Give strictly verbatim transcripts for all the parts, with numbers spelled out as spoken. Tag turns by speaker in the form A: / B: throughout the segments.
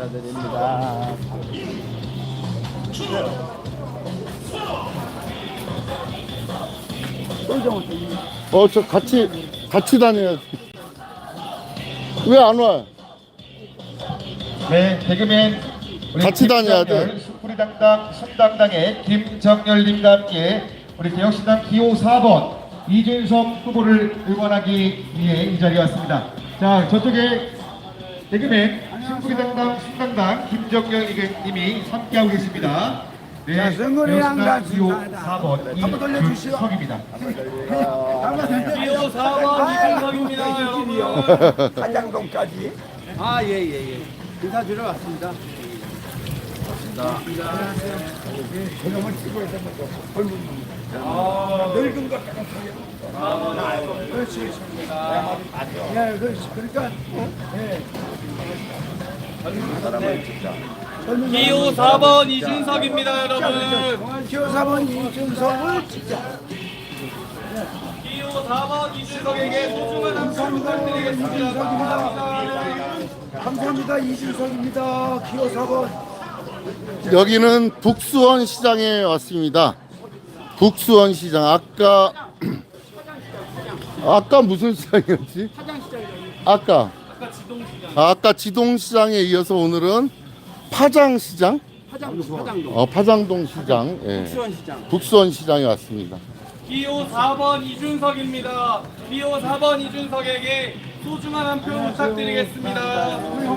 A: 감사드립니다. 어, 저 같이 같이 다녀야지. 왜 안 와?
B: 네, 개그맨 우리
A: 같이 다녀야 돼.
B: 숯불이당당 순당당의 김정열님과 함께 우리 개혁신당 기호 사 번 이준석 후보를 응원하기 위해 이 자리에 왔습니다. 자, 저쪽에 개그맨 숯불이당당 순당당 김정열님이 함께하고 계십니다. 네,
C: 자, 승근이랑당
B: 기호
C: 순당당.
B: 사 번
C: 한번 돌려주시오.
B: 이준석입니다.
D: 기호 사 번 이준석입니다, 여러분.
C: 한양동까지.
D: 아, 예, 예, 예. 인사드리러 왔습니다.
C: 저놈을 찍어야 되는 거. 젊은 놈. 늙은 것 같아요. 그렇지. 예, 그렇지. 그러니까, 예.
D: 기호 사 번 이준석입니다, 여러분.
C: 기호 사 번 이준석을 찍자.
D: 기호 사 번 이준석에게 소중한 한 표 부탁드리겠습니다. 감사합니다.
C: 감사합니다. 이준석입니다. 기호 사 번.
A: 여기는 북수원 시장에 왔습니다. 북수원 시장. 아까 아까 무슨 시장이었지? 아까 아, 아까 지동시장에 이어서 오늘은 파장시장? 어, 파장동 시장. 예. 북수원 시장에 왔습니다.
D: 기호 사 번 이준석입니다. 기호 사 번 이준석에게 소중한 한 표 부탁드리겠습니다.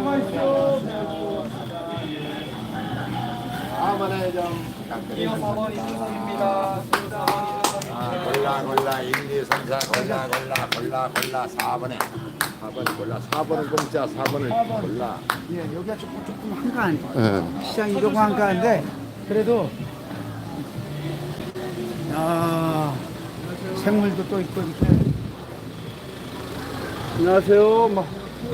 D: 기호 사 번 이준석입니다. 기호 사 번
E: 아, 골라 골라 일, 이, 삼, 사 골라 골라 골라 골라 사 번에 사 번 골라 사 번은 공짜 사 번을 골라.
C: 예, 여기가 조금 조금 한가한
A: 예.
C: 시장이 조금 한가한데 그래도 야 생물도 또 있고 이렇게.
D: 안녕하세요. 뭐.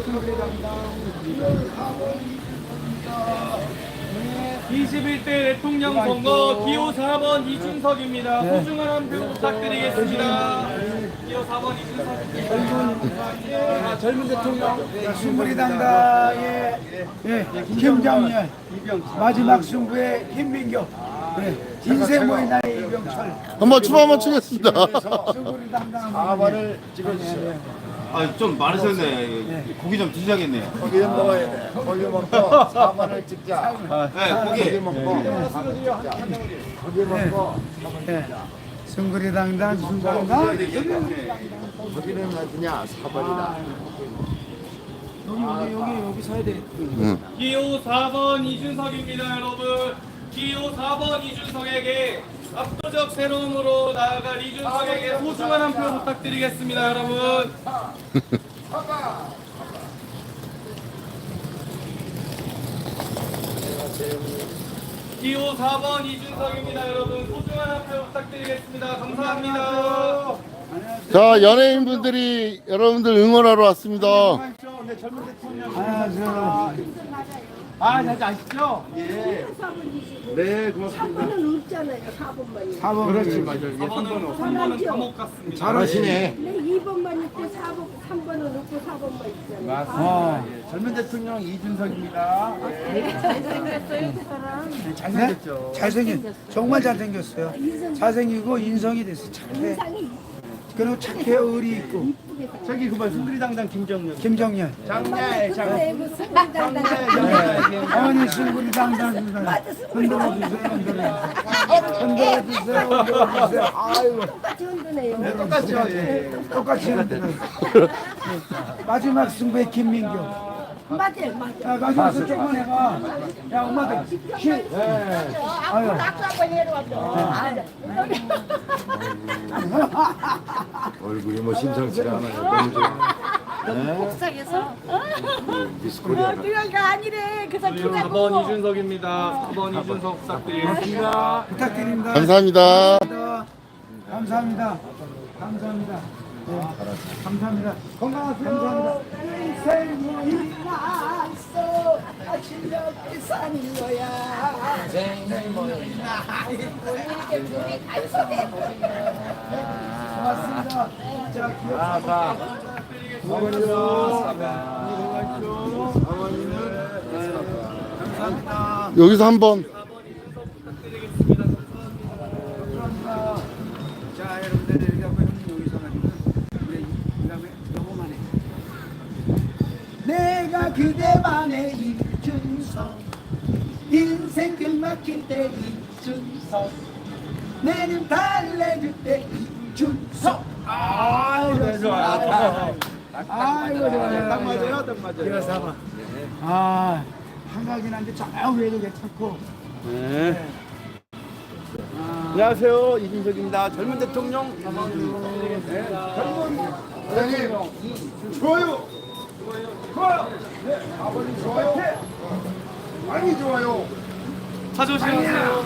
D: 이십일 대 대통령 선거 기호 사 번 이준석입니다. 소중한 한 표 부탁드리겠습니다. 기호 사 번 이준석입니다. 아, 젊은 대통령.
C: 승부리당당의 예, 김정열, 마지막 승부의 김민교, 예, 인생 모인나의 이병철.
A: 한번 춤 한번 추겠습니다.
C: 승부리당당
E: 사 번을 찍어주세요.
F: 아, 좀 많으셨네. 고기 좀 드셔야겠네요.
E: 고기 좀 먹어야 돼. 고기 먹고 사 번을 찍자.
F: 네,
E: 고기
F: 고기.
E: 먹고 사 번을 찍자. 고기 먹고
C: 예, 승부리당당, 순당당.
E: 고기는 어디냐? 사 번이다.
C: 여기 여기 여기 여기 서야 돼.
D: 기호 사 번 이준석입니다, 여러분. 기호 사 번 이준석에게 압도적 새로움으로 나아갈 이준석에게 소중한 한 표 부탁드리겠습니다, 여러분. 기호 사 번 이준석입니다, 여러분. 소중한 한 표 부탁드리겠습니다. 감사합니다.
A: 자, 연예인분들이 여러분들 응원하러 왔습니다.
C: 아, 저
D: 아, 잘 아시죠?
F: 네, 고맙습니다.
G: 사 번은 없잖아요. 사 번만이.
C: 사 번.
F: 그렇지, 맞아요. 예,
D: 사 번은 삼 번은 감옥 같습니다.
E: 잘하시네.
G: 네, 이 번만 있고 사 번, 삼 번은 없고 사 번만 있잖아요.
C: 어.
F: 젊은 대통령 이준석입니다.
G: 잘생겼어요, 그 사람.
C: 잘생겼죠. 잘생겼. 정말 잘생겼어요. 잘생기고 인성이 됐어. 착해.
G: 인상이
C: 그리고 착해 의리 있고.
F: 저기 그만 승리당당 김정년.
C: 김정열.
G: 장날, 장날. 무슨 당당.
C: 어머니 승부리 당당 흔들어 주세요. 흔들어. 흔들어 주세요. 흔들어 주세요. 아이고.
G: 똑같이 흔드네요.
C: 똑같죠. 예. 똑같이 흔들어. 마지막 승부의 김민교.
G: 맞아요, 맞아요.
C: 야, 마지막 저쪽만 해봐. 야, 엄마들. 시. 아유.
G: 낙수 한번 내려왔죠.
E: 얼굴이 뭐 심상치가 않아요. 너무 좋아.
G: 복상에서?
E: 미스코리아.
G: 그가 아니래. 그 사람
D: 기호 사 번 이준석입니다. 사 번 이준석 부탁드리겠습니다.
C: 부탁드립니다.
A: 감사합니다.
C: 감사합니다. 감사합니다. 네. 감사합니다. 건강하세요. 감사합니다.
G: 인생이 나서 실력이 사는 거야. 이렇게 둘이 간섭해.
C: 고맙습니다. 자,
E: 아사.
C: 어머니는 어머니는
F: 감사합니다.
A: 여기서 한번.
D: 사 번 이준석 부탁드리겠습니다. 감사합니다.
C: 자, 여러분들 이렇게 하고 형님 여기서 가지고 우리 그다음에 요거만 해. 내가 그대만의 이준석 인생 끝막힐 때 이준석 내는 달래줄 때 이준석 아이고 좋아 아이고 좋아
F: 딱 맞아요, 딱 맞아요.
C: 이거 사봐 아 한가긴 한데 저 위에도 괜찮고
F: 네. 안녕하세요, 이준석입니다. 젊은 대통령. 네. 젊은 대통령. 좋아요. 좋아요. 네, 아버님 좋아요. 많이 좋아요.
D: 차 조심하세요.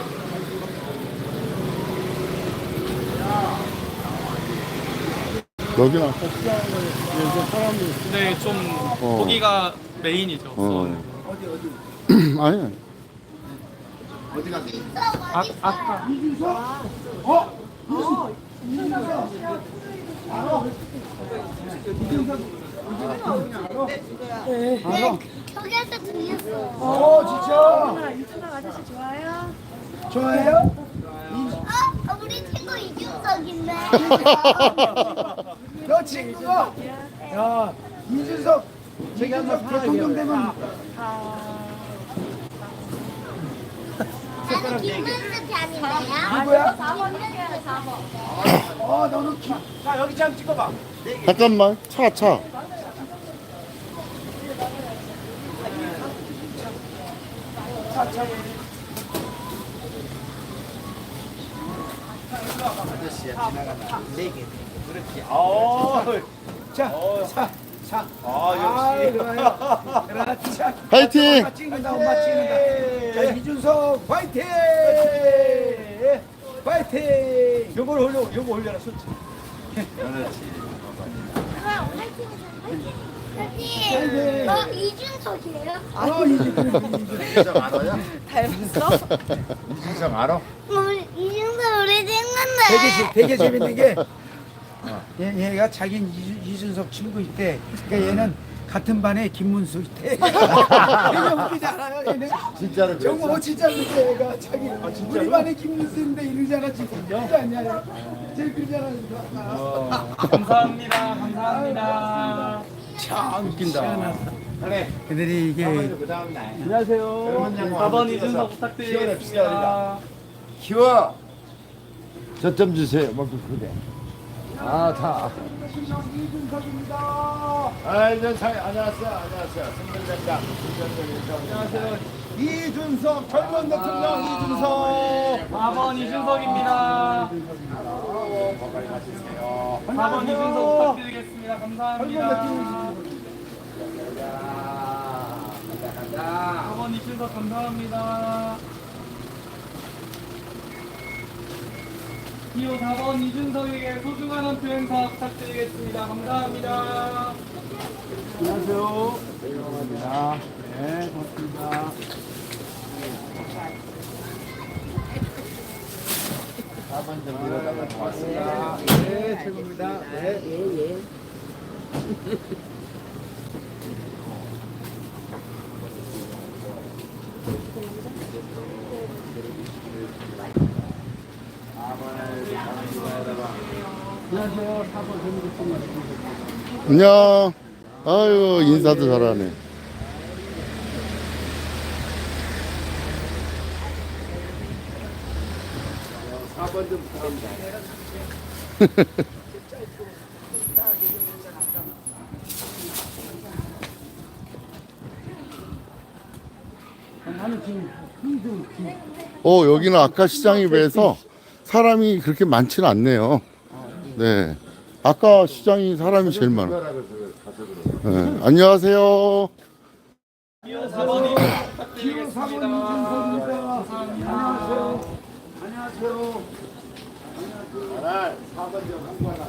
A: 여기는 아까 시장에서 사람들이.
D: 네, 좀
A: 어.
D: 거기가 메인이죠.
A: 어.
C: 어디 어디
A: 아니.
D: 아, 아까
C: 알아
G: 저기한테 들렸어.
C: 어 진짜
G: 이준석 아저씨 좋아요?
C: 좋아해요?
G: 어? 우리 친구 이준석인데.
C: 너 친구가 야 이준석 이준석 대통령 되면
G: 나는 김문수 편인데요.
C: 누구야?
G: 사 번이요, 사 번.
C: 어 너는 기... 자 여기 참 찍어봐
A: 잠깐만. 차, 차.
C: 자자자
F: 아, 역시.
C: 그렇지
A: 파이팅!
C: 엄마 찍는다 엄마 찍는다 자 이준석 파이팅 파이팅
F: 요걸 올려, 요거 올려라, 솔직히.
G: 그럼 화이팅 화이팅. 어, 이준석이에요?
C: 어 이준석
E: 이준석 알아요?
G: 닮았어?
E: 이준석 알아?
G: 우리 이준석 우리
C: 되게,
G: 친구인데.
C: 재- 되게 재밌는 게 얘, 얘가 자기 이준, 이준석 친구 있대 그러니까 얘는 같은 반에 김문수 있대 되게 웃기지 않아요 얘는
E: 진짜로
C: 정말 어, 진짜 그래 얘가 자기 우리 반에 김문수인데 이러잖아 지금 진짜 아니야 제일 그러잖아 아,
D: 감사합니다. 감사합니다.
C: 참 웃긴다
F: 그래.
C: 그들이 이게
F: 그 다음 날.
E: 안녕하세요.
D: 사 번 이준석 부탁드리겠습니다.
E: 키워. 저점 주세요. 먹고 그래. 아, 다.
C: 이준석입니다
E: 아, 이준석 안녕하세요. 안녕하세요. 승근대장.
F: 안녕하세요. 이준석, 젊은 대통령 이준석.
D: 사 번 이준석입니다.
E: 건강히 가시세요.
D: 사 번 이준석 부탁드리겠습니다. 감사합니다. 사 번 이준석 감사합니다. 기호 사 번 이준석에게 소중한 한 표 행사 부탁드리겠습니다. 감사합니다.
F: 안녕하세요.
C: 네 고맙습니다
E: 사번 좀 밀어달라 고맙습니다.
F: 네, 최고입니다. 네.
C: 안녕하세요 사번 재밌겠습니다
A: 안녕. 아유, 인사도 잘하네.
F: 사 번 좀 부탁합니다.
C: 나는 지금 힘든
A: 어, 여기는 아까 시장에 비해서 사람이 그렇게 많지는 않네요. 네. 아까 시장이 사람이 제일 많아. 네. 안녕하세요.
D: 기호 사 번 이준석 부탁드리겠습니다.
C: 안녕하세요 안녕하세요
E: 사번 좀 홍보하라.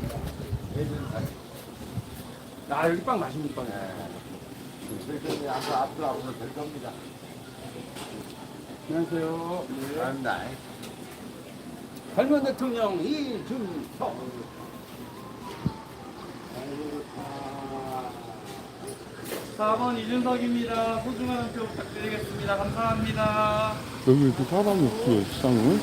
F: 아, 여기 빵 맛있는 빵이야.
E: 저희 아까 앞으로 앞으로 될 겁니다.
F: 안녕하세요.
E: 감사합니다.
F: 젊은 대통령 이준석.
D: 사 번 이준석입니다. 소중한 한 표 부탁드리겠습니다. 감사합니다.
A: 여기 이렇게 사람이 없어요, 시장은.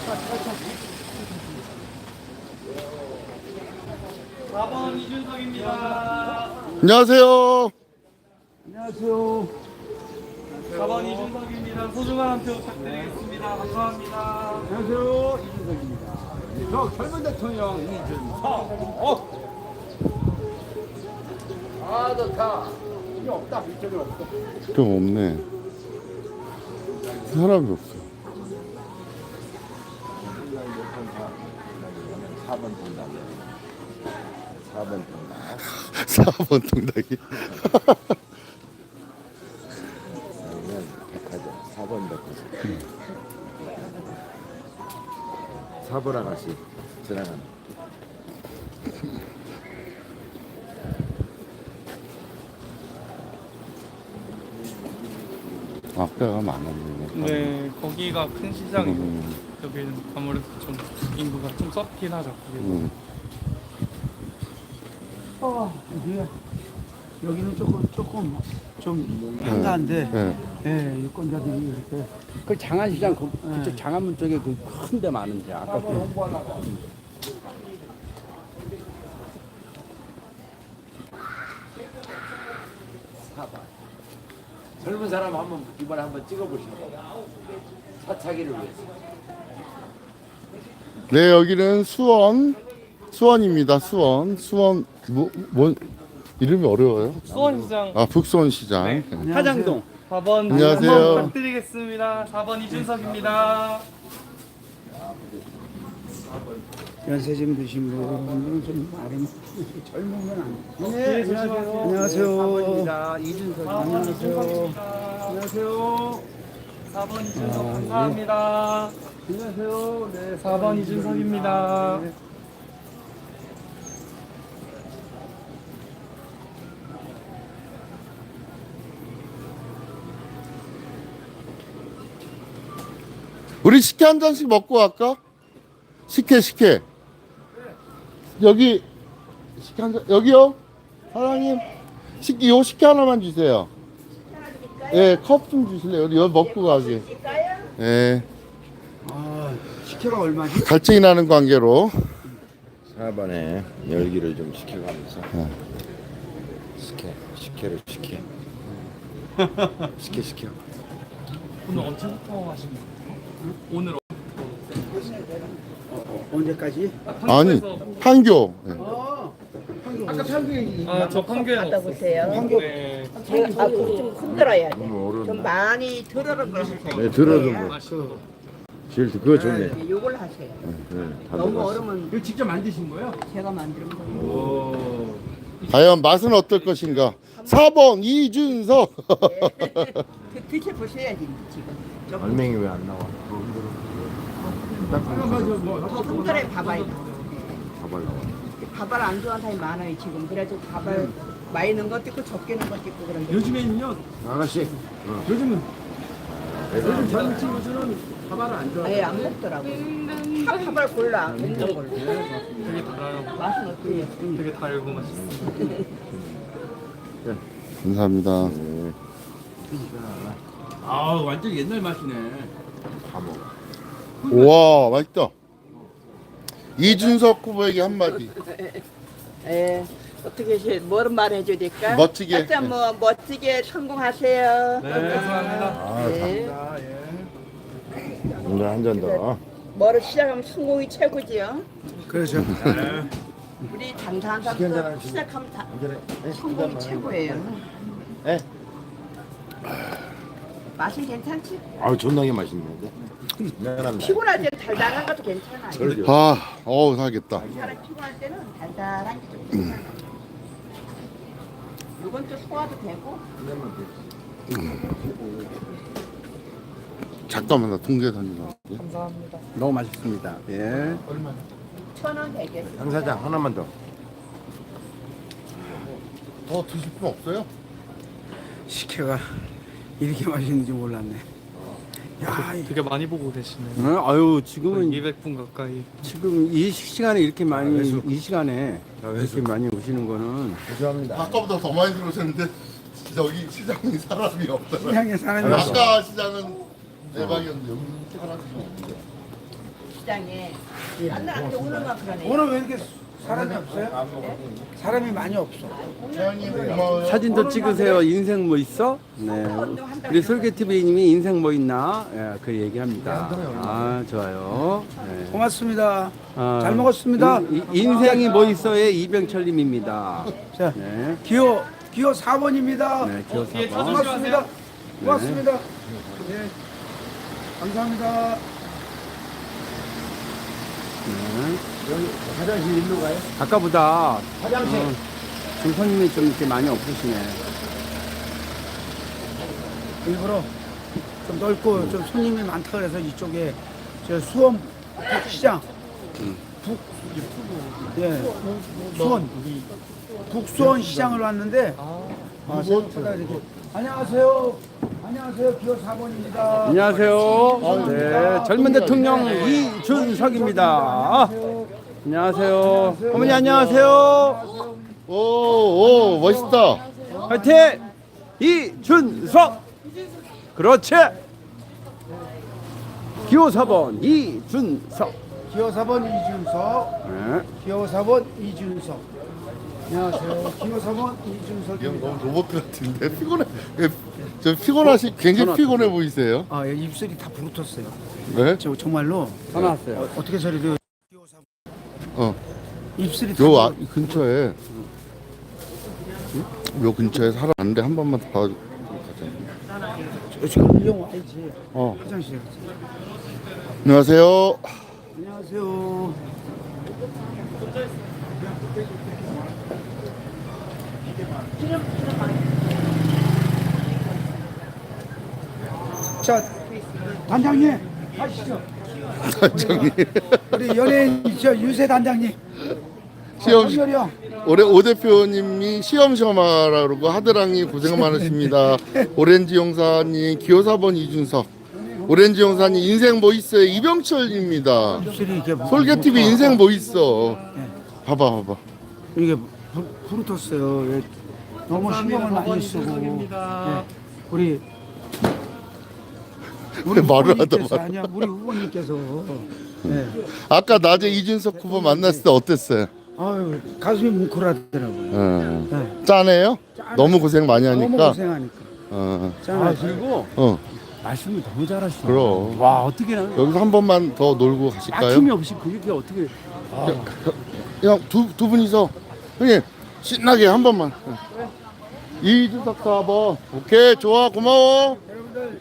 D: 사 번 이준석입니다.
A: 안녕하세요.
C: 안녕하세요.
D: 사 번 이준석입니다. 소중한 한 표 부탁드리겠습니다. 감사합니다.
F: 안녕하세요. 이준석입니다. 저 젊은 대통령 이준석. 어. 아 좋다. 이게 없다. 이쪽에 없다.
A: 좀 없네. 사람이 없어.
E: 사 번 통닭. 사 번 통닭.
A: 사 번 통닭이.
E: 아니면 백화점. 사 번 백화점. 사 번 아가씨 지나가는.
A: 앞에가 많았네.
D: 네, 거기가 큰 시장이고
A: 음,
D: 여기는 아무래도 좀 인구가 좀 썩긴 하죠. 거기는.
A: 음.
C: 어, 여기가 여기는 조금 조금 좀 한가한데,
A: 네.
C: 예, 유권자들이 이렇게
F: 그 장안시장 그, 그쪽 장안문 쪽에 그 큰 데 많은데 아까
E: 젊은 사람 한번 이번에 한번 찍어보시고 사차기를 위해서.
A: 네, 여기는 수원. 수원입니다. 수원. 수원, 뭐, 뭐, 이름이 어려워요?
D: 수원시장
A: 아, 북수원시장.
D: 네.
A: 네.
F: 화장동.
D: 사 번
A: 안녕하세요.
D: 한번 부탁드리겠습니다. 사 번 이준석입니다.
C: 연세 좀 드신 분들은 좀 아름 젊은 건 아니에요.
D: 네, 조심하세요.
C: 안녕하세요.
F: 사 번입니다. 이준석.
D: 사 번 이준석입니다.
F: 안녕하세요.
D: 사 번 이준석 감사합니다.
F: 안녕하세요. 네.
D: 사 번 이준석입니다.
A: 우리 식혜 한 잔씩 먹고 갈까? 식혜, 식혜. 여기, 식혜 한 잔, 여기요? 사장님, 식혜, 요 식혜 하나만 주세요. 예, 컵 좀 주실래요? 여기 먹고 가게. 예,
C: 아, 식혜가 얼마지?
A: 갈증이 나는 관계로.
E: 사 번에 열기를 좀 시켜가면서 식혜, 식혜를 시켜. 시켜 시켜.
D: 오늘 언제부터 하신 거예요? 오늘
C: 언제까지?
A: 아니, 판교. 예.
F: 아까 편기
D: 아, 저 판교에
H: 갖다
D: 없어요.
H: 보세요.
D: 네.
H: 제가 아, 그거 좀 흔들어야 돼.
E: 너무 어려운데.
H: 좀 많이 들어는 걸 하세요.
E: 네, 들어도 뭐.
D: 맛있어.
E: 제일 그거 좋네.
H: 네, 요걸 하세요.
E: 네, 다
H: 너무
E: 들어갔어.
H: 얼으면
F: 이거 직접 만드신 거예요?
H: 제가 만드는 거예요.
F: 오.
A: 과연 맛은 어떨 것인가? 사 번 이준석.
H: 드- 드셔보셔야지 지금. 조금
E: 알맹이 왜 안 나와?
H: 더 흔들어야 밥알.
E: 밥알 나와.
H: 밥알 안 좋아하는 사람이 많아요 지금. 그래서 밥알 많이 넣은 것도 있고 적게 넣은 것도 있고 그런데.
F: 요즘에는요.
E: 아가씨.
F: 요즘은 요즘 젊은 친구들은 밥알을 안 좋아해요.
H: 아예 안 먹더라고요. 다 밥알 골라 먹는 걸로.
D: 되게 달아요.
H: 맛은 어때요?
D: 되게 달고 맛있어요.
A: 감사합니다.
F: 아 완전 옛날 맛이네.
E: 다 먹어.
A: 우와, 맛있다. 이준석 후보에게 한마디.
H: 예. 어떻게 해? 뭐를 말해줘야 될까?
A: 멋지게.
H: 하여튼 뭐 멋지게 성공하세요.
D: 네, 감사합니다.
E: 아,
H: 네.
E: 오늘 한 잔 더.
H: 뭐를 시작하면 성공이 최고지요.
C: 그렇죠.
H: 우리 장사한
E: 시간 잘
H: 사람도
E: 하시네.
H: 시작하면 다
E: 한 잔에. 네,
H: 성공이 최고예요.
E: 네.
H: 맛은 괜찮지?
E: 아우 존나게 맛있는데. 미안합니다.
H: 피곤할 때는 달달한 것도 괜찮아요.
E: 절교.
A: 아, 어우, 사겠다.
H: 사람 피곤할 때는 달달한 게 좀 괜찮아요. 이건 또 소화도 되고.
A: 잠깐만, 나 통계산이나.
D: 감사합니다.
F: 너무 맛있습니다. 예.
H: 천 원 되겠어요.
E: 양 사장 하나만 더.
A: 더 드실 분 없어요?
C: 식혜가 이렇게 맛있는지 몰랐네. 야, 이-
D: 되게 많이 보고 계시네요.
F: 어, 아유 지금은
D: 이백 분 가까이.
F: 지금 이 시간에 이렇게 많이 이 시간에 이렇게 많이 오시는 거는
E: 죄송합니다.
A: 아까보다 더 많이 들어오셨는데. 저기 시장이 사람이 없더라.
C: 시장에 사람이 없어.
A: 아까 시장은 대박이었는데 여기 사람이 없는데.
H: 시장에 안나한테 오늘만 그러네.
C: 오늘 왜 이렇게 사람이 없어요? 사람이 많이 없어.
A: 회원님 고마워요.
F: 사진도 찍으세요. 인생 뭐 있어? 네. 우리 솔개티비님이 인생 뭐 있나? 예, 그 얘기합니다. 아, 좋아요. 네.
C: 고맙습니다.
F: 아,
C: 잘 먹었습니다.
F: 인- 인생이 뭐 있어의 이병철님입니다.
C: 자,
F: 네.
C: 기호 기호 사 번입니다.
F: 네, 기호
D: 뒤에
F: 사 번.
D: 쳐주시면
C: 고맙습니다.
D: 하세요.
C: 고맙습니다. 네. 감사합니다.
F: 화장실 일로 가요? 아까보다 화장실 어, 좀 손님이 좀 이렇게 많이 없으시네.
C: 일부러 좀 넓고 좀 손님이 많다 그래서 이쪽에 저 수원 북시장 북 예, 수원 북수원 시장을 왔는데 아, 생각보다 이렇게 안녕하세요. 안녕하세요. 기호 사 번입니다.
F: 안녕하세요. 네, 젊은 대통령 이준석입니다. 안녕하세요. 어머니 안녕하세요.
A: 오, 오, 멋있다.
F: 화이팅! 이준석. 그렇지. 기호 사 번 이준석.
C: 기호 사 번 이준석.
F: 네.
C: 기호 사 번 이준석. 안녕하세요. 기호 사 번
A: 이 형
C: 이준석입니다.
A: 너무 로봇 같은데 피곤해. 예, 저 피곤하시 굉장히 피곤해 보이세요.
C: 아, 예, 입술이 다 부르텄어요.
A: 네?
C: 저 정말로
F: 다 나왔어요.
C: 어떻게 저래도
A: 어.
C: 입술이 다
A: 요
C: 부르-
A: 아, 이 근처에 요 근처에 사람 안데 한 번만 더 봐줘.
C: 저 지금 일용 와야지.
A: 어.
C: 화장실에.
A: 안녕하세요.
C: 안녕하세요. 자, 단장님 가시죠.
A: 저기
C: 우리 연예인 저 유세 단장님.
A: 시험
C: 한결이 형.
A: 올해 오 대표님이 시험 시험하라 그러고 하드랑이 고생 많으십니다. 오렌지 용사님 기호 사 번 이준석. 오렌지 용사님 인생 뭐 있어요? 이병철입니다.
C: 입술이 이렇게
A: 솔개티비 인생 뭐 있어? 봐봐 봐봐.
C: 이게 부- 부르텄어요. 예. 너무 신경을 많이 쓰고. 예. 우리
A: 왜 말을 하다
C: 후보님께서
A: 말.
C: 아니야 우리 후보님께서 예.
A: 아까 낮에 이준석 후보 만났을 때 어땠어요?
C: 아유 가슴이 뭉클하더라고요.
A: 어.
C: 네.
A: 짠해요? 너무 고생 많이
C: 너무
A: 하니까.
C: 고생하니까.
A: 어.
F: 아,
C: 짠하죠.
F: 그리고
A: 어.
F: 말씀을 너무 잘하시네.
A: 그럼.
F: 와, 어떻게 나
A: 여기서 한 번만 더 놀고 가실까요?
F: 막힘이 없이 그게 어떻게
A: 형, 두, 두 분이서 형님 신나게 한 번만. 이준석 사 번. 오케이 좋아 고마워.
C: 여러분들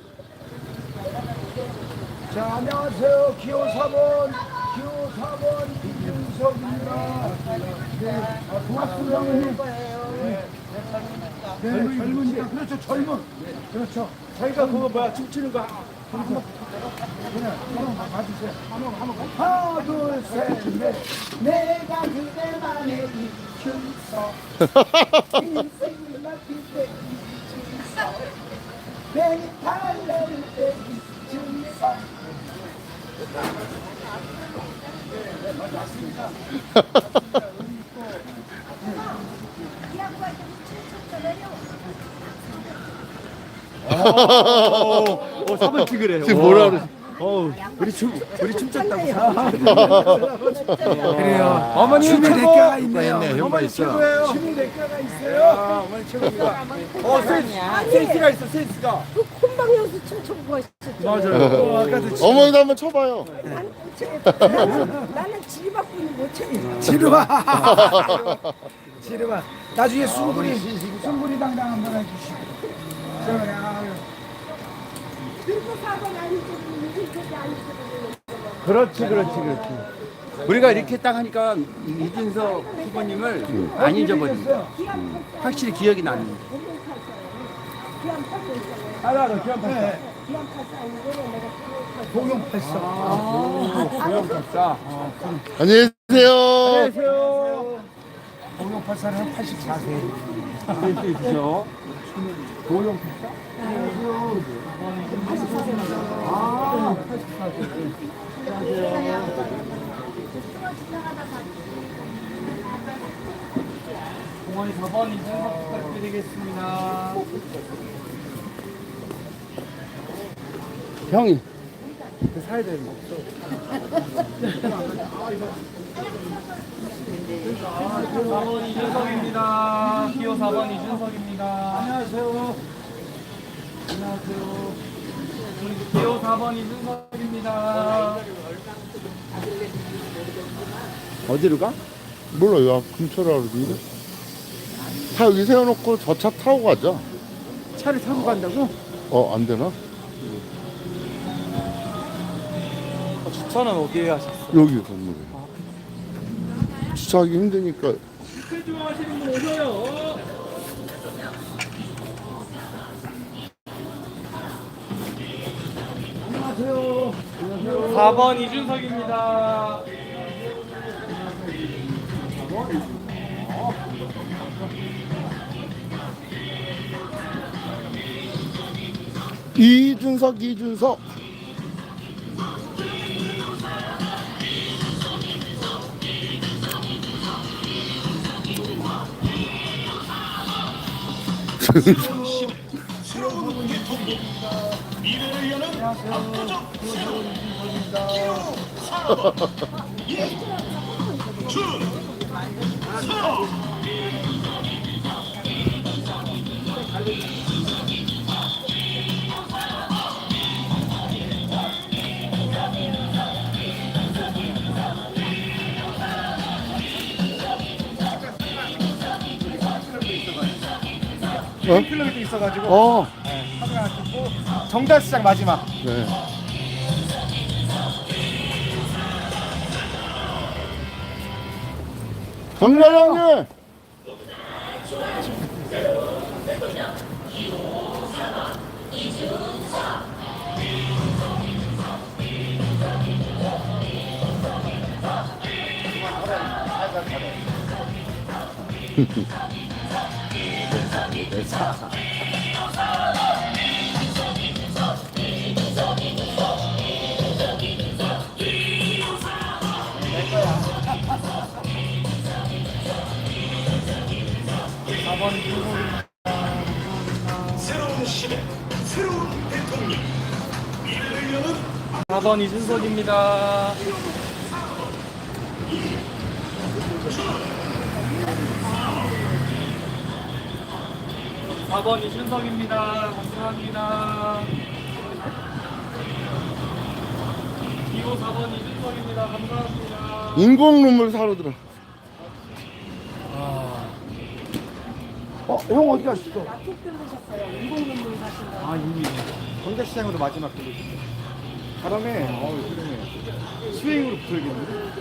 C: 자 안녕하세요. 기호 사 번 기호 사 번 이준석입니다. 네, 아, 고맙습니다. 형님. 네, 네, 젊으니까 그렇죠 젊은 그렇죠. 저희가 그거 뭐야 춤추는 거 한번 그냥 한번 봐주세요. 한번 한번 하나 둘셋넷 내가 그대만의 이준석 인생이 막힐 때 이준석 내게 달래줄 때 이준석
F: 어, 사번 찍으래요.
A: 지금 뭐라 그러지?
F: 어우, 우리 춤 우리 춤췄다고.
C: 그래요.
F: 어머니
C: 춤이 몇
F: 최고.
C: 개가 있네요.
F: 어머니 최고예요.
C: 춤이 몇 개가 있어요.
F: 아, 어머니 최고입니다. 어, 센스, 센스가 있어, 센스가.
G: 그 콧방에서 춤추고 있었죠.
F: 맞아요.
C: 어, 아까도 치-
A: 어머니도 한번 쳐봐요.
G: 나는 나는, 나는 지리박분이 못 춰요.
C: 지루봐. 지루봐. 나중에 숭구리 숭구리 당당 한번 해주시고. 자,
G: 그리고 사번 아니고 이렇게 아니고.
F: 그렇지, 그렇지, 그렇지. 우리가 이렇게 딱 하니까 이준석 후보님을 안 잊어버린다.
C: 어디겠어요?
F: 확실히 기억이 나는.
G: 기안 팔고 있잖아요.
C: 하나 더 기한 팔.
G: 기안 팔고 아니고 내가
C: 공용 팔사.
F: 고영 박사.
A: 안녕히 계세요.
F: 안녕하세요.
C: 공용 팔사는 한 팔십사 세.
F: 센스 있으셔. 고영 박사?
D: 번이 사 번 이준석 부탁드리겠습니다.
F: 형이
D: 사 번 이준석입니다. 기호 사 번 이준석입니다. 안녕하세요. 안녕하세요. 기호 사 번 이준석입니다.
F: 어디로 가?
A: 몰라요. 아, 근처라 그러던데. 차 여기 세워놓고 저 차 타고 가자.
F: 차를 타고 간다고?
A: 어, 안 되나?
D: 주차는 어디에 하셨어요?
A: 여기 건물에. 주차하기 힘드니까.
D: 스케줄 하시는 분 오셔요. 안녕하세요. 사 번 이준석입니다.
A: 이준석, 이준석.
B: 일 킬로미터 있어가지고
A: 어,
B: 사진 하나 찍고 정달시장 마지막.
A: 네. 정과장님!
D: 사 번 이준석입니다. 사 번 이준석입니다. 사 번 이준석입니다. 감사합니다. 기호 사 번 이준석입니다. 감사합니다.
A: 인공 눈물 사러 들어.
C: 어, 형 어디 갔어?
B: 아 이미 정달시장으로 마지막 들리셨어요. 바람에 어우 그러네. 스윙으로 붙어야겠는데.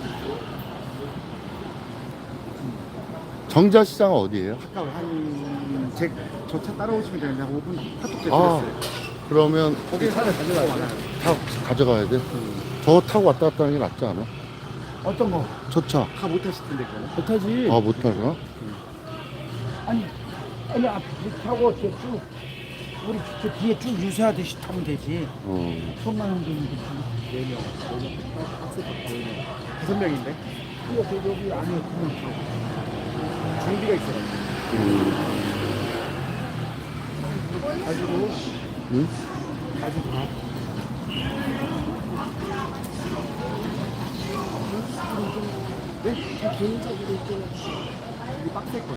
A: 정자시장 어디예요?
B: 아까 한제저 차 따라오시면 되는데 한 오 분 카톡
A: 아,
B: 됐어요.
A: 그러면
B: 거기 사를 가져가요.
A: 타, 가져가야 돼? 저거 타고 왔다 갔다 하는 게 낫지 않아?
B: 어떤 거?
A: 저 차.
B: 다 못 타실 텐데 그거는.
F: 못하지.
A: 아, 못 타나?
C: 아니, 아니 앞에 타고 이렇게 쭉 우리 저 뒤에 쭉 유세하듯이 타면 되지.
A: 어.
C: 천만 원 되는데
B: 네 명, 다섯 명인데
C: 여기 여기 안에 그냥
B: 장비가 있어가지고. 가지고
A: 응?
B: 가지고 가. 네? 개인적으로 좀 빡셀 거.